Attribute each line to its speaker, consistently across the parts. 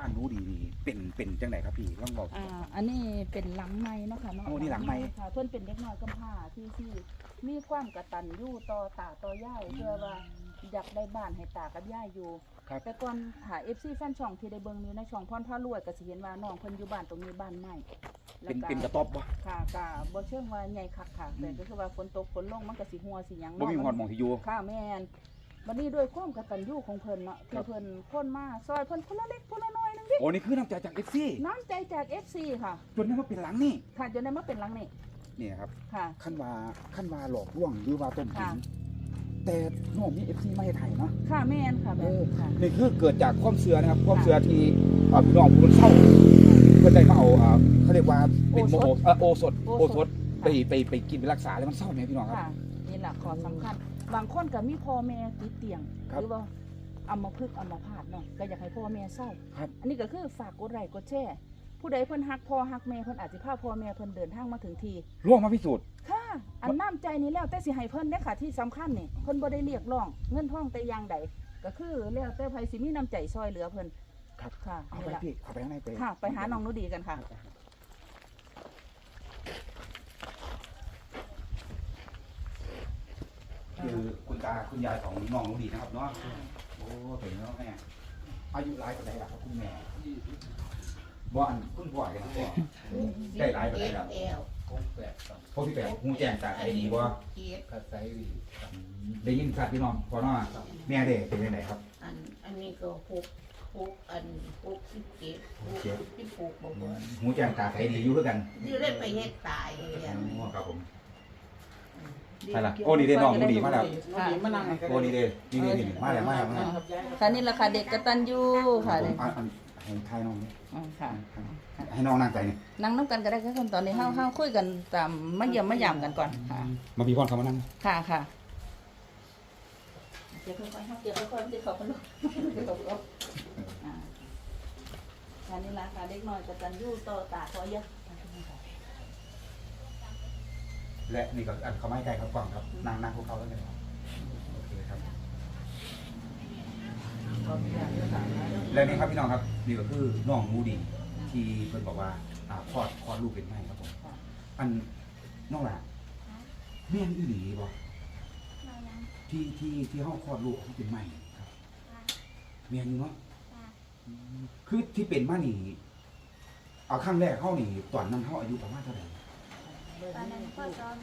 Speaker 1: บ้านรู้ดีนี่เป็นจังไหนครับพี่ลองบอก
Speaker 2: อันนี้เป็นหลังไม้เนาะค่ะเนาะ
Speaker 1: โอ้นี่หลังไม้
Speaker 2: ค่ะเพิ่นเป็นเด็กน้อยกำพร้าที่มีความกตัญญูต่อตาต่อย่ายเพื่อว่าอยากได้บ้านให้ตากับย่ายอยู่แต่ก่อนหา FC แฟนช่องที่ได้เบิ่งอยู่ในช่องพรพารวยก็สิเห็นว่าน้องเพิ่นอยู่บ้านตรงนี้บ้านใหม่
Speaker 1: เป็นกระต๊อบบ่
Speaker 2: ค่ะก็บ่เชิงว่าใหญ่คักค่ะแต่ก็คือว่าฝนตกฝนลงมันก็สิหัวสิหยัง
Speaker 1: บ่มีหอดหม่องที่อยู่
Speaker 2: ค่ะแม่นบัดนี้ด้วยความกตัญญูของเพิ่นเนาะที่เพิ่นคนมาซอยเพิ่นคนละเล็กคนละน้อยนึงดิ
Speaker 1: โอ้นี่คือน้ำใจจาก FC
Speaker 2: น้ำใจจาก FC ค่ะ
Speaker 1: จนได้มาเป็นหลังนี่
Speaker 2: ค่ะจนได้มาเป็นหลังนี่
Speaker 1: นี่ครับ
Speaker 2: ค่ะ
Speaker 1: ขั้นว่าหลอกลวงหรือว่าต้มตุ๋นแต่น้องมี FC มาให้ไทยเนาะ
Speaker 2: ค่ะแม่นค่ะแม่นค่ะ
Speaker 1: นี่คือเกิดจากความเชื่อนะครับความเชื่อที่พี่น้องผู้คนเศร้าเพิ่นได้มาเอาเขาเรียกว่าเป็นโอสถไปกินไปรักษาแล้วมันเศร้าไหมพี่น้องครับ
Speaker 2: นี่แหละข้อสำคัญบางคนก็มีพ่อแม่ติดเตียงหรือว่าอัมพฤกษ์อัมพาตเนาะก็อยากให้พ่อแม่เศร้าอันนี้ก็คือฝากกดไลค์กดแชร์ผู้ใดเพิ่นฮักพ่อฮักแม่เพิ่นอาจสิพาพ่อแม่เพิ่นเดินทางมาถึงที
Speaker 1: ร่วงมาพิสูจน์
Speaker 2: ค่ะอันน้ำใจนี้แล้วแต่สิให้เพิ่นเด้อค่ะที่สำคัญนี่เพิ่นบ่ได้เรียกร้องเงินทองแต่อย่างใดก็คือแล้วแต่ไผสิมีน้ำใจซอยเหลือเพิ่น
Speaker 1: ครับ
Speaker 2: ค่ะ
Speaker 1: เอาไปพี่เข้าไปข้างในไป
Speaker 2: ค่ะไปหาน้องหนูดีกันค่ะ
Speaker 1: คือคุณตาคุณยายของน้องหนูดีนะครับเนาะโอ้ถึงแล้วแม่อายุหลายกว่าใดล่ะครับคุณแม่บ่อันคุณพ่อกันพ่อได้หลายกว่าใดล่ะพวกที่8ฮู้แจ้งจากไอ้ดีบ่
Speaker 3: กระไสดี
Speaker 1: ได้ยินชัดพี่น้องพ่อเนาะแม่เด้เป็นจังไดครับ
Speaker 3: อันนี้ก็67บ่บ่
Speaker 1: ฮู้แจ้งตาไอ้ดีอยู่คือกัน
Speaker 3: นี่เลยไปเฮ็ดตายเลย
Speaker 1: ครับผมไปละโอ้นี่เด้น้องหนูดีมาแล้ว
Speaker 2: มานั่ง
Speaker 1: โอ้นี่เด้นี่มาแล้ว
Speaker 2: ค่ะนี่แหละค่ะเด็กกตัญญูค่ะ
Speaker 1: ให้ทายน้อง
Speaker 2: ค่ะ
Speaker 1: ให้น้องนั่งใจนี่
Speaker 2: นั่งน้ำกันก็ได้ค่ะตอนนี้เฮาคุยกันตามมาเยี่ยมมายามกันก่อนค่ะ
Speaker 1: มาพี่พรเขามานั่ง
Speaker 2: ค่ะเดี๋ยวค่อยๆเดี๋ยวค่อยๆเดี๋ยวเขาลูกเดี๋ยวตกลงค่ะนี่แหละค่ะเด็กน้อยกตัญญูต่อตาขอเยอะ
Speaker 1: และนี่ก็อันเขาไม่ไกลครับฟังครับนั่งพวกเขาแล้วกันโอเคครับและนี่ครับพี่น้องครับนี่ก็คือน้องมูดีที่เพิ่นบอกว่าคลอดลูกเป็นไงครับผมอันน้องล่ะแม่นอีหลีบ่ที่ห้องคลอดลูกเขาเป็นไม้ครับแม่นอยู่เนาะคือที่เป็นมานี่เอาครั้งแรกเข้านี่ตอนนั้นเขาอายุประมาณเท่าไหร่
Speaker 4: ตอนนั้นพ่อซ้อ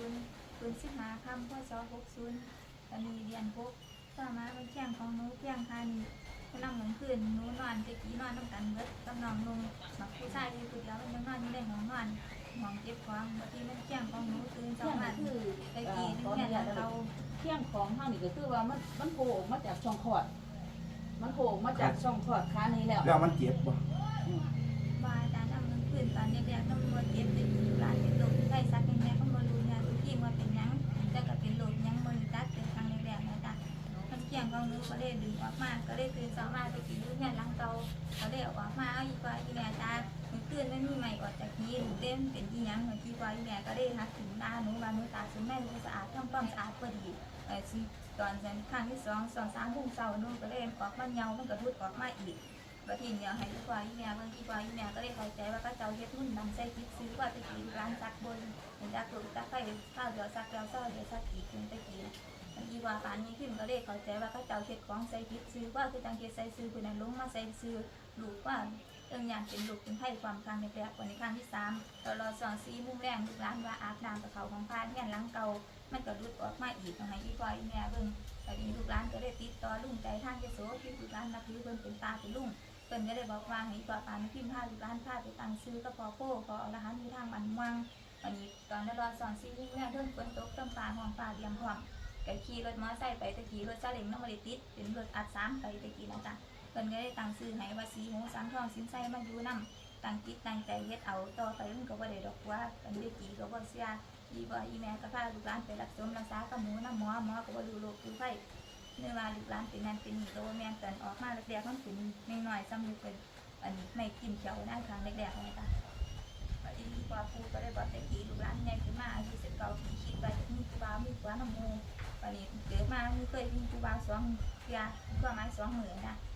Speaker 4: 60ปืน15คำพ่อซ้อ60ตอนนี้เรียน6ต่อมาเป็นเที่ยงของหนูเที่ยงค่ะนี่กำลังเหมือนคืนหนูนอนตะกี้นอนน้ำกันเบิดกับน้องนุ่งบักผู้ชายที่ผู้เดียวมันยังนอนอยู่ในห้องนอนห้องเก็บของบางทีมันเที่ยงของหนูตื่นสองวันตะกี้นี่แค่เรา
Speaker 2: เที่ยงของเฮานี่ก็คือว่ามันโผล่ออกมาจากช่องคลอดมันโผล่ออกมาจากช่องคลอดขานี้แล้ว
Speaker 1: มันเจ็บบ่
Speaker 4: ว่าอาจารย์ทำมันคืนตอนเด็กๆต้องมาเก็บตะกี้ร้านเป็นลมใส่ซักยังไงก็มารู้เนี่ยทุกทีมันเป็นยังแต่ก็เป็นลมยังมันจัดเป็นครั้งแรกๆนะจ๊ะมันเที่ยงของหนูก็เลยดึงออกมาก็เลยตื่นสองมาตะกี้รู้เนี่ยหลังเตาก็เลยออกมาเอาอีกว่าอีแม่จ้ามันตื่นไม่มีใหม่ออกจากนี้หนูเต้นเป็นที่ยังเหมือนที่ว่าอีแม่ก็ได้หักถึงตาหนูว่าหนูตาถึงแม่หนูสะอาดทำความสะอาดพอดีตอนครั้งที่2-3 โมงเช้าหนูก็เลยออกมาเงามันก็รุดออกมาอีกบางทีเนี่ยให้อีกว่าอีแม่บางทีว่าอีแม่ก็ได้เข้าใจว่าก็เจ้าเฮ็ดมุ่นนำใส่คิดซื้อว่าตะกี้ร้านซักบนเห็นจักถูกจักไฟข้าวเดียวซักแล้วเดียวซักอีกตะกี้บางทีว่าปานนี้ขึ้นก็ได้เข้าใจว่าก็เจ้าเฮ็ดของใส่คิดซื้อว่าคือจังเฮ็ดใส่ซื้อคือนั้นลงมาใส่ซื้อลูกว่าอย่างเป็นลูกเป็นไผ่ความครั้งในแรกวันในครั้งที่3ตลอด2-4 โมงแรงลูกร้านว่าอาบน้ำกับเขาของพานเนี่ยหลังเก่ามันก็รุดออกมาอีกให้อีกว่าอีแม่เบิ่งแต่ทีลูกร้านก็ได้ติดต่อลุงใจทางเจโสที่ลูกร้านนับถือเพิ่นเป็นตาเป็นลุงเพิ่นก็ได้บอกว่าให้ตัวปานพิมพ์ผ้าลูกร้านผ้าไปตั้งซื้อก็พอโป้พออรหันต์มีทางมันวังวันนี้ตอนนั้นรอ2-4 โมงแรงเพิ่นฝนตกต้นปลาห้องปลาเลี้ยงพร้อมก็ขี่รถมอไซค์ไปตะกี้รถซาเล้งน้ำมันติดเป็นรถอัด3ไปตะกี้นะจ๊ะเพิ่นก็ได้ตั้งซื้อให้ว่าสีหูสังทองสินไส้มาอยู่นำตั้งจิตตั้งใจเฮ็ดเอาต่อไปมันก็บ่ได้ดอกว่าเพิ่นได้กี่ก็บ่เสียอีบ่อีแม่ก็พาลูกหลานไปรักษากับหมูน้ำหมอก็บ่รู้โรคคือไฟเนื่อว่าลูกหลานเป็นนั่นเป็นนี่โตแม่นกันออกมาแรกๆมันเป็นน้อยๆซ้ำอยู่เป็นอันนี้ไม่กินเขียวนะครั้งแรกๆเลยจ้ะบัดนี้กว่าปู่ก็ได้บอกแต่กี้ลูกหลานใหญ่ขึ้นมาอายุ19ปีคิดว่าจะมีครูบามีกว่าน้ำมูบัดนี้เกิดมาเคยมีครูบา2 เทื่อก็หมาย2 มื้อนะ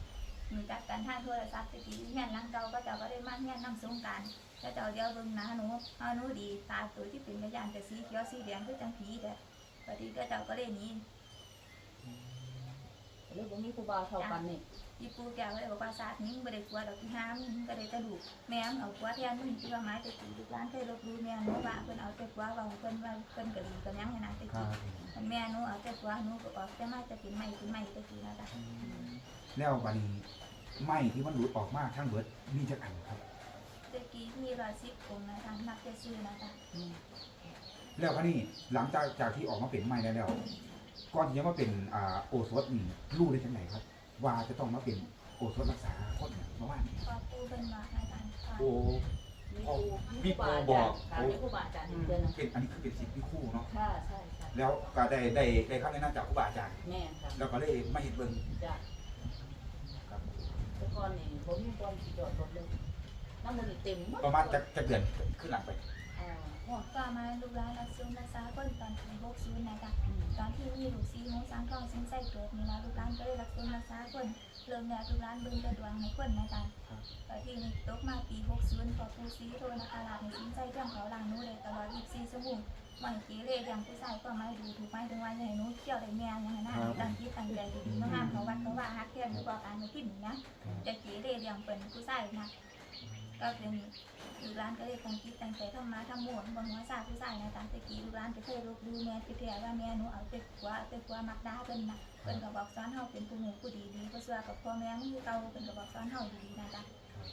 Speaker 4: มีจักกันทางโทรศัพท์ตะกี้เฮียนหลังเก่าก็เจ้าก็ได้มาเฮียนนำสงกรานต์ก็เจ้าเดียวเบิ่งหน้าหนูหนูดีตาตัวที่เป็นกระยานแต่สีเขียวสีแดงคือจังผีแต่พอดีก็เจ้าก็เลยหนี
Speaker 2: เรื่องบ่มีครูบาเท่ากันนี่
Speaker 4: อีปูแกก็เลยบอกว่าศาสตร์นี้บ่ได้กลัวดอกที่ห้ามมึงก็ได้กระดูกแม่เอากลัวแทนมึงที่ว่าไม้ตะกี้ลูกหลานเคยลบดูแม่หนูว่าเพิ่นเอาแต่กลัวว่าเพิ่นว่าเพิ่นก็ดีกันยังนะตะกี้แม่หนูเอาแต่กลัวหนูก็ออกแต่มาจะเป็นไม้เป็นไม้ตะกี้นะจ๊ะ
Speaker 1: แล้วบัดนี้ไม้ที่มันหลุดออกมาทั้งเบิดมีจักอันครับ
Speaker 4: ตะกี้มี110องค์นะจ๊ะนับแต่ชื่อนะจ๊ะ
Speaker 1: แล้วบัดนี้หลังจากที่ออกมาเป็นไม้แล้วก่อนที่จะมาเป็นโอสถนี่รู้ได้จังไดครับ ว่าจะต้องมาเป็นโอสถรักษาคนเนี่ยเมื่อวานนี้
Speaker 4: พอปูเพิ่นว่านะจ๊ะ
Speaker 1: โอ้
Speaker 2: มีครูบอกมีครูบาอาจารย์เดือนนึง
Speaker 1: เป็นอันนี้คือเป็นสิทธิ์ที่คู่เนาะ
Speaker 2: ค่ะใช่ค่ะ
Speaker 1: แล้วก็ได้คำแนะนำจากครูบาอาจารย์
Speaker 2: แม่ค่ะ
Speaker 1: แล้วก็เลยมาเห็นเบิ่ง
Speaker 2: จ้ะ
Speaker 1: ครับ
Speaker 2: แต่ก่อนนี่ผมมีความสิจอดรถเลยน้ำมันเต็มหมด
Speaker 1: ประมาณจะเดือนขึ้นหลังไป
Speaker 4: ก็มาลูกหลานรักษารักษาคนตอนปี60นะจ๊ะตอนที่มีลูกซีหมูสังทองสินไส้เกิดนี่นะลูกหลานก็ได้รักษาคนเริ่มแล้วลูกหลานเบิ่งแต่ดวงให้คนนะจ๊ะตอนที่นี่ตกมาปี60พอปูซีโทรนะคะลาให้สินไส้เรื่องเขาล้างหนูได้ตลอด24ชั่วโมงวันเกเรอย่างผู้ชายก็ไม่ดูถูกไม่ถึงว่าให้หนูเที่ยวได้แม่ยังไงนะตั้งที่ตั้งใจดีๆน้องงามเขาวัดเขาว่าฮักเทียนหรือว่าการไม่คิดอย่างนี้จะเกเรอย่างเป็นผู้ชายนะก็เป็นลูกหลานก็เลยตั้งจิตตั้งใจทำมาทำหมวนบนหัวซาผู้ชายนะตามตะกี้ลูกหลานจะเคยรบดูแม่ที่แท้ว่าแม่หนูเอาแต่กว่ามักด่าเพิ่นนะเพิ่นก็บอกสอนเฮาเป็นผู้หนูผู้ดีๆบ่เชื่อกับพ่อแม่มีเก่าเพิ่นก็บอกสอนเฮาดีๆนะจ๊ะ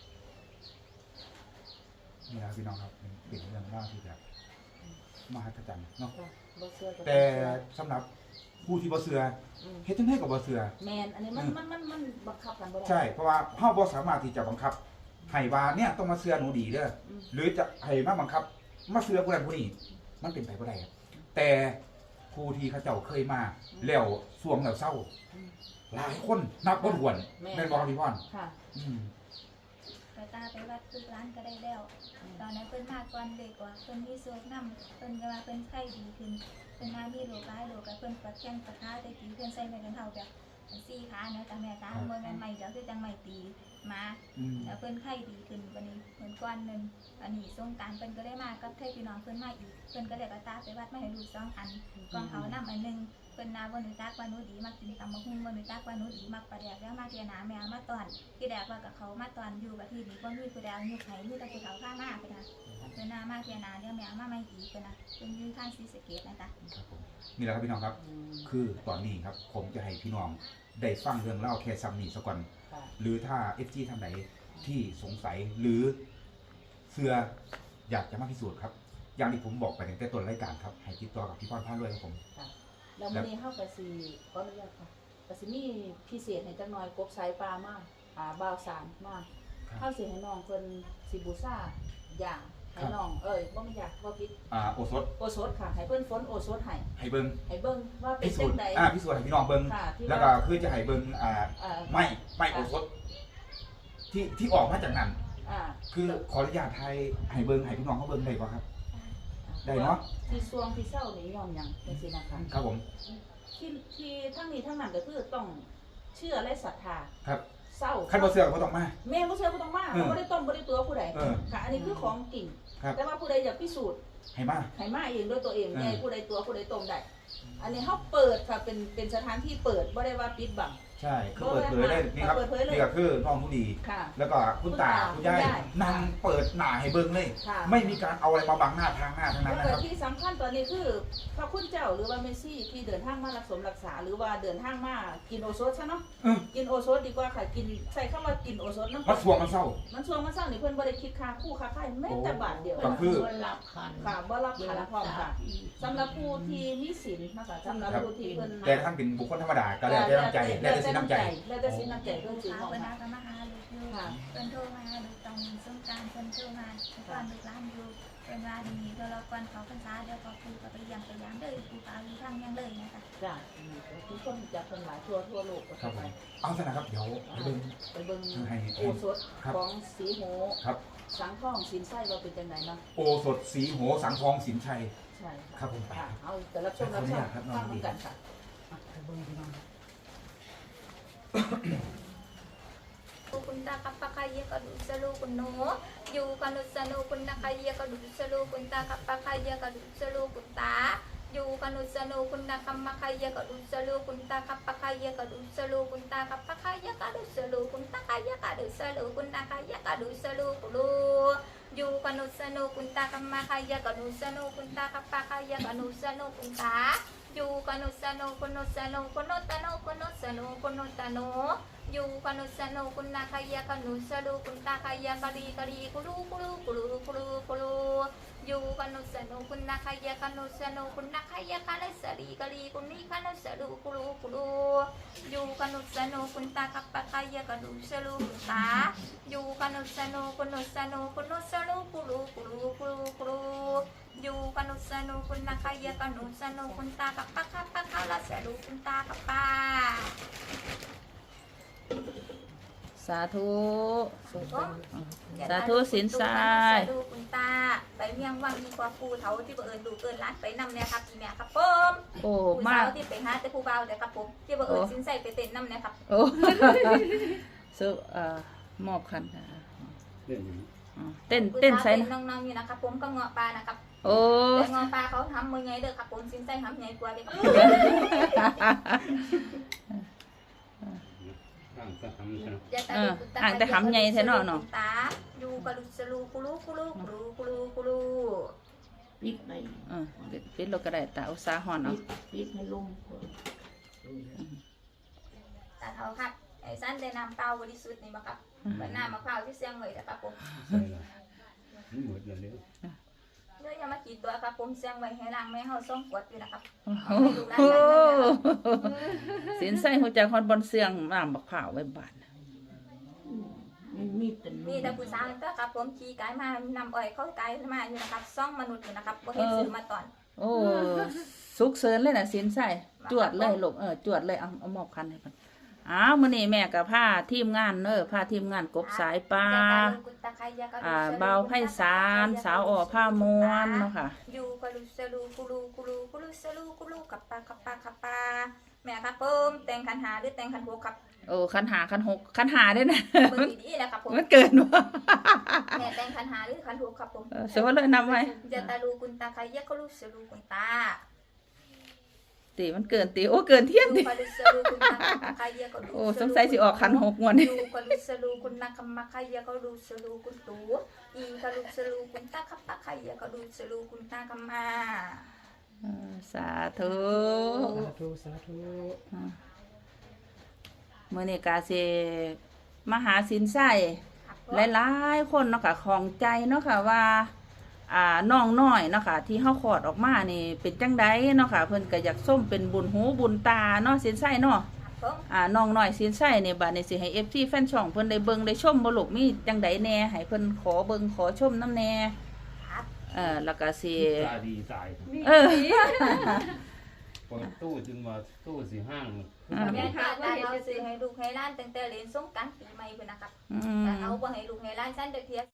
Speaker 1: นี่นะพี่น้องครับเป็นเรื่องเล่าที่แบบมหัศจรรย์เนาะ
Speaker 2: บ่เชื่อก็
Speaker 1: แต่สำหรับผู้ที่บ่เชื่อเฮ็ดจังได๋ก็บ่เชื่อ
Speaker 2: แม่นอันนี้มันบังคับกันบ่ได้
Speaker 1: ใช่เพราะว่าเฮาบ่สามารถที่จะบังคับให้ว่าเนี่ยต้องมาเชื่อหนูดีเด้อหรือจะให้มาบังคับมาเชื่อผู้นั้นผู้นี้มันเป็นไปบ่ได้ครับแต่ผู้ที่เขาเจ้าเคยมาแล้วสวงแล้วเศร้าหลายคนนับบ่ถ้วนแม่นบ่ครับพี่พร
Speaker 2: ค่ะ
Speaker 4: ไปตาไปวัดลูกหลานก็ได้แล้วตอนนั้นเพิ่นมาก่อนเด็กกว่าเพิ่นมีโชคนำเพิ่นก็ว่าเพิ่นไข้ดีขึ้นเพิ่นมามีโรคหลายโรคก็เพิ่นปวดแข้งปวดขาแต่กี้เพิ่นใส่ไม้กันเท่าแบบ4ขาเนาะแต่แม่ตาบ่แม่นไม้เดี๋ยวคือจังไม้ตีมาแล้วเพิ่นไข้ดีขึ้นวันนี้เหมือนก่อนนึงอันนี้สงกรานต์เพิ่นก็ได้มากับเทพี่น้องเพิ่นมาอีกเพิ่นก็ได้ก็ตาไปวัดมาให้ลูก2อันก่อนเขานำอันนึงเพิ่นนาบ่รู้จักว่าหนูดีมักกินตำบักหุ่งบ่รู้จักว่าหนูดีมักปลาแดกแล้วมาเที่ยหน้าแม่มาตอนที่แดกว่ากับเขามาตอนอยู่กับที่นี่บ่มีผู้ใดเอายุคไผมีแต่ผู้เฒ่าข้างหน้าเพิ่นน่ะเพิ่นนามาเที่ยหน้าเดี๋ยวแม่มาใหม่อีกเพิ่นน่ะเพิ่นอยู่ทางศรีสะเกษนะจ๊ะ
Speaker 1: ครับผมนี่แหละครับพี่น้องครับ คือตอนนี้ครับผมจะให้พี่น้องได้ฟังเรื่องเล่าแค่ซ้ำนี่สักก่อนหรือถ้า FG ท่านไหนที่สงสัยหรือเชื่ออยากจะมาพิสูจน์ครับอย่างที่ผมบอกไปในแต่ต้นรายการครับให้ติดต่อกับพี่พรพาด้วยครับผม
Speaker 2: แล้วมื้อนี้เฮาก็สิขออนุญาตค่ะก็สิมีพิเศษให้จักหน่อยกบสายปลามาบ่าวสารมาเฮาสิให้น้องเพิ่นสิบูชาอย่างให้น้องบ่แม่นอยากบ่ผิด
Speaker 1: โอสถ
Speaker 2: โอสถค่ะให้เพิ่นฝนโอสถให้
Speaker 1: ให้เบิ่ง
Speaker 2: ว่าเป็
Speaker 1: พิ
Speaker 2: น
Speaker 1: สู
Speaker 2: จั
Speaker 1: จ
Speaker 2: ง
Speaker 1: น์
Speaker 2: ได๋
Speaker 1: พิสูจน์ให้พี่น้องเบิ่ง
Speaker 2: ค่ะที่
Speaker 1: แล้วก็คือจะให้เบิ่งไม่โอสถที่ออกมาจากนั้นคือขออนุญาตให้เบิ่งให้พี่น้องเขาเบิ่งได้บ่ครับได้เนาะ
Speaker 2: ที่ซวงที่เศร้านี่ยอมหยังจังซี่นะคะ
Speaker 1: ครับผม
Speaker 2: ที่ทั้งนี้ทั้งนั้นก็คือต้องเชื่อและศรัทธา
Speaker 1: ครับ
Speaker 2: เศร้า
Speaker 1: คันบ่เชื่อก็บ่ต้องมา
Speaker 2: แม่บ่เชื่อบ่ต้องมาบ่ได้ต้มบ่ได้ตัวผู้ใด
Speaker 1: เออ
Speaker 2: ค่ะอันนี้คือของจริง
Speaker 1: ครับ
Speaker 2: แต่ว่าผู้ใดอยากพิสูจน์
Speaker 1: ให้มา
Speaker 2: ให้มาเองด้วยตัวเอง
Speaker 1: เออ
Speaker 2: ไงผู้ใดตัวผู้ใดต้มได้อันนี้เฮาเปิดค่ะเป็นสถานที่เปิดบ่ได้ว่าปิดบัง
Speaker 1: ใช่คือเปิดเผยเลยนี่ครับ
Speaker 2: เปิดเผยเลย
Speaker 1: นี่ก็คือน้องผู้ดี
Speaker 2: ค่ะ
Speaker 1: แล้วก็คุณตาคุณยายนั่งเปิดหน้าให้เบิ่งเลย
Speaker 2: ค่ะ
Speaker 1: ไม่มีการเอาอะไรมาบังหน้าทางหน้าทั้งนั้น
Speaker 2: แล้ว
Speaker 1: นะ
Speaker 2: ก็
Speaker 1: ครับ
Speaker 2: ที่สำคัญตอนนี้คือพระคุณเจ้าหรือว่าเมสซี่ที่เดินทางมารักษาหรือว่าเดินทางมากินโอโซดใช่เนาะ กินโอโซดดีกว่าค่ะกินใส่คำว่ากินโอโซดน้ำ
Speaker 1: มันสวงมันเศร้า
Speaker 2: มันช่วงมันเศร้านี่เพิ่นบ่ได้คิดค่าคู่ค่าไข่แม้แต่บาทเดียว
Speaker 1: ก็คือ
Speaker 3: รับคัน
Speaker 2: ค่ะบ่รับขันพร้อมค่ะสำหรับผู้ที่มีศีลนะคะสำหรับผู้ที่เพิ่น
Speaker 1: แต่ท่านเป็นบุคคลธรรมดาก็แล้วแต่น้ำใจแล้วแต่สิน้ำใจ
Speaker 2: แล้วแต่สิน้ำใจเพิ่นสิ
Speaker 4: หา
Speaker 2: ของ
Speaker 4: เพิ่น
Speaker 2: ค่ะ
Speaker 4: หาก็มาหาลูกอยู่เพิ่นโทรมาลูกตอนสงกรานต์เพิ่นโทรมาตอนลูกหลานอยู่เพิ่นว่าดีเดี๋ยวเราก่อนเขาพรรษาเดี๋ยวพอครูก็ไปยังเด้อครูก็อยู่ทางยังเลยนะคะ
Speaker 2: จ้ะทุกคนจะเพิ่นหลายทั่วโลกก็
Speaker 1: ครับ
Speaker 2: ไป
Speaker 1: ผมเอาซะนะครับเดี๋ยวไปเบิ่ง
Speaker 2: ไปเบิ่ง
Speaker 1: ให้
Speaker 2: โอสถของสีโห
Speaker 1: ครับ
Speaker 2: สังทองสินไส้ว่าเป็นจังไดเนาะ
Speaker 1: โอสถสีโหสังทองสินชัย
Speaker 2: ใช่
Speaker 1: ครับผมไป
Speaker 2: ค่ะเอาแต่รับชมฟังกันค่ะ
Speaker 1: ไปเบิ่งพี่น้อง
Speaker 4: ตาคับปะคายกระดูสลูกุนโนอยู่กนุสนุกุนตาคายกระดูสลูกุนตาคับปะคายกระดูสลูกุนตาอยู่กนุสนุกุนตาคัมมะคายกระดูสลูกุนตาคับปะคายกระดูสลูกุนตาคับปะคายกระดูสลูกุนตาคายกระดูสลูกุนตาคายกระดูสลูกุลูอยู่กนุสนุกุนตาคัมมะคายกระดูสลูกุนตาคับปะคายกระดูสลูกุนตาอยู่กนุสนุกุนสนุกุนตะโนกุนสนุกุนตะโนอยู่กนุสนุกุนนาคายกนุสลูกุนตาคายกะลีกะลีกุลูกุลูกุลูกุลูกุลูอยู่กนุสนุกุนนาคายกนุสนุกุนนาคายกะเลสลีกะลีกุนีกะนุสลูกุลูกุลูอยู่กนุสนุกุนตาคัปปะคายกนุสลูกุนตาอยู่กนุสนุกุนสนุกุนสลูกุลูกุลูกุลูกุลูอยู่กนุสนุกุนนาคายกนุสนุกุนตาคัปปะคัปปะคาลาสลูกุนตาคัปปะ
Speaker 2: สาธุสาธุสินทราย
Speaker 4: ดูคุณตาไปเมียงวังดีกว่าปูเถาที่เอิญดูเอิญร้านไปนำเนี่ยครับอีแม่ครับผม
Speaker 2: โอ้
Speaker 4: ปู
Speaker 2: มา
Speaker 4: สาก วที่ไปหาแต่ผู้เบาเดี๋ยวครับผมที่เอิญสินใส่ไปเต้นนำเนี่ยครับ
Speaker 2: โอ้สุมอบคันเต้นใส่
Speaker 4: นะน้องๆอยู่นะครับผมก็เงาะปลานะครับ
Speaker 2: โอ้
Speaker 4: แต่เงาะปลาเขาทำมือไงเด้อครับผมสินใส่ทำไงกว่าเด็ก
Speaker 2: ห่างแต่หำใหญ่แท้เนาะเนาะ
Speaker 4: ตาอยู่กะลุสลูกุลูกุลูกุลูกุลูกุลู
Speaker 3: ปิดใน
Speaker 2: ปิดเราก็ได้แต่อุตสาหอนเนาะ
Speaker 3: ปิดให้ลง
Speaker 4: ตาเถาครับไอ้สั้นได้น้ำเปล่าบริสุทธิ์นี่มาครับเหมือนน้ำมะพร้าวที่เสียงเลยนะครับผมเนื้อยังมากี่ตัวครับผมเสียงไว้ให้ล้างแม่เฮาส่งกวดอยู่นะครับ
Speaker 2: โอ้สินใส่หัวใจคอนบอลเสียงน้ำบักเผาไว้บาน
Speaker 3: มีแต่
Speaker 4: นี่แต่ผู้สาวนั่นก็ครับผมขี่ไก่มานำอ้อยเข้าไก่มาอยู่นะครับซ่องมนุษย์อยู่นะครับบ่เห็นซื้อมาตอน
Speaker 2: โอ้สุกเสริญเลยนะสินใส่จวดเลยลูกจวดเลยเอามอบคันให้เพิ่นมื้อนี้แม่ก็พาทีมงานพาทีมงานกบสายปลาเบาไพศาลสาวอ้อผ้ามวนเนาะค่ะ
Speaker 4: อยู่กะลุสลูกุลูกุลูกุลูสลูกุลูกับปลากับปลากับปลาแม่ครับผมแต่งขันหาหรือแต่งขันโหครับ
Speaker 2: โอ้ขันหาขันหกขันหาได้นะ
Speaker 4: เบิ่งดีๆนะครับผม
Speaker 2: มันเกินวะ
Speaker 4: แม่แต่งขันหาหรือขันโหครับผม
Speaker 2: เสียว่าเลยนำไว้
Speaker 4: จะตาลูกุนตาใครยะก็ลูสลูกุนตา
Speaker 2: ตีมันเกินตีโอ้เกินเที่ยงดิโอ้สงสัยสิออกขันหกงวดนี่
Speaker 4: กลุสลูกุนนาคัมมะใครยะก็ลูสลูกุนตูอีกลุสลูกุนตาคัปปะใครยะก็ลูสลูกุนตาคัมมา
Speaker 2: สาธุ
Speaker 3: สาธุ
Speaker 2: มื้อนี้กาสิมาหาสินใส่หลายๆคนเนาะค่ะของใจเนาะค่ะว่าน้องน้อยเนาะค่ะที่เฮาคลอดออกมานี่เป็นจังไดเนาะค่ะเพิ่นก็อยากส้มเป็นบุญหูบุญตาเนาะสินใส่เนาะน้องน้อยสินใส่นี่บัดนี้สิให้ FC แฟนช่องเพิ่นได้เบิ่งได้ชมบ่ลูกมีจังไดแน่ให้เพิ่นขอเบิ่งขอชมนำแน่แล้วก็สิ
Speaker 5: ตาดีสายเปิดตู้จึงมาตู้สิห้าง
Speaker 4: แม่ตาเราสิให้ลูกให้หลานตั้งแต่เรียนสงกรานต์ปีใหม่พุ่นนะครับแต่เอาบ่ให้ลูกให้หลานซั่นจักเที่ย